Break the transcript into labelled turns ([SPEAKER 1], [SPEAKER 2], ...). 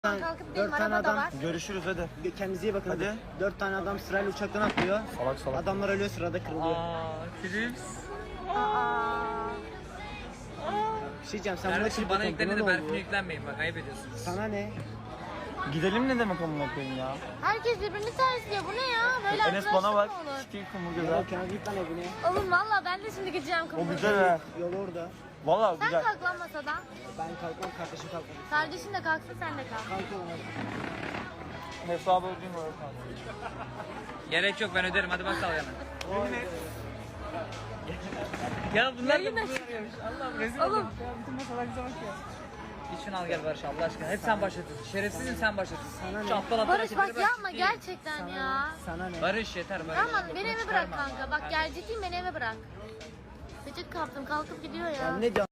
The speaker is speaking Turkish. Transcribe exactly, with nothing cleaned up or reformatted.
[SPEAKER 1] Kalkıp
[SPEAKER 2] Dört
[SPEAKER 1] benim
[SPEAKER 2] tane
[SPEAKER 1] araba da
[SPEAKER 2] adam.
[SPEAKER 1] var.
[SPEAKER 3] Görüşürüz hadi.
[SPEAKER 2] Kendinize iyi bakın.
[SPEAKER 3] Hadi.
[SPEAKER 2] Dört tane adam sırayla uçaktan atlıyor.
[SPEAKER 3] Salak salak.
[SPEAKER 2] Adamlar ölüyor, sırada kırılıyor.
[SPEAKER 4] Aa, Philips.
[SPEAKER 1] Aa.
[SPEAKER 2] Bir şey diyeceğim, sen buna
[SPEAKER 4] Kardeşim
[SPEAKER 2] çıkma
[SPEAKER 4] bana
[SPEAKER 2] komple,
[SPEAKER 4] yüklenin de
[SPEAKER 2] ne
[SPEAKER 4] Berfin'e
[SPEAKER 2] oluyor?
[SPEAKER 4] yüklenmeyin bak ayıp ediyorsunuz.
[SPEAKER 2] Sana ne?
[SPEAKER 3] Gidelim ne demek amına koyayım ya?
[SPEAKER 1] Herkes birbirini tersliyor. Bu ne ya? Böyle
[SPEAKER 3] Enes bana bak.
[SPEAKER 1] arkadaşlık mı olur?
[SPEAKER 3] Sikeyim kumur
[SPEAKER 2] Ya
[SPEAKER 3] güzel.
[SPEAKER 2] Kenan git lan evine.
[SPEAKER 1] Oğlum valla ben de şimdi gideceğim
[SPEAKER 3] O
[SPEAKER 1] kumruya.
[SPEAKER 3] güzel ha.
[SPEAKER 2] Yol orada.
[SPEAKER 3] Valla
[SPEAKER 1] Sen
[SPEAKER 3] güzel.
[SPEAKER 1] kalk lan masadan.
[SPEAKER 2] Ben kalkmam, kardeşim kalkmadı.
[SPEAKER 1] Kardeşin de kalksın sen de kalk.
[SPEAKER 2] Kalk oğlum hadi.
[SPEAKER 3] Hesabı ödeyeyim öyle kalk.
[SPEAKER 4] Gerek yok ben öderim hadi bak al yana. Ya bunlar da bunu arıyormuş. Allah'ım rezil
[SPEAKER 1] Oğlum.
[SPEAKER 4] oldum. Ya bütün masalar bize bak ya. Git şunu al gel Barış Allah aşkına. Hep sen başlatıyorsun. Şerefsizim sen başlatıyorsun.
[SPEAKER 2] Sana
[SPEAKER 4] Şu
[SPEAKER 2] ne?
[SPEAKER 4] aptal aptal
[SPEAKER 1] Barış
[SPEAKER 4] hareketleri
[SPEAKER 1] bak
[SPEAKER 4] ben
[SPEAKER 1] yapma
[SPEAKER 4] ciddiyim.
[SPEAKER 1] gerçekten ya.
[SPEAKER 2] Sana ne?
[SPEAKER 4] Barış yeter Barış.
[SPEAKER 1] Tamam beni eve bırak
[SPEAKER 4] Çıkarma.
[SPEAKER 1] kanka. Bak gel ciddiyim beni eve bırak. Gıcık kaptım kalkıp gidiyor ya.
[SPEAKER 2] Ya ne diyorsun?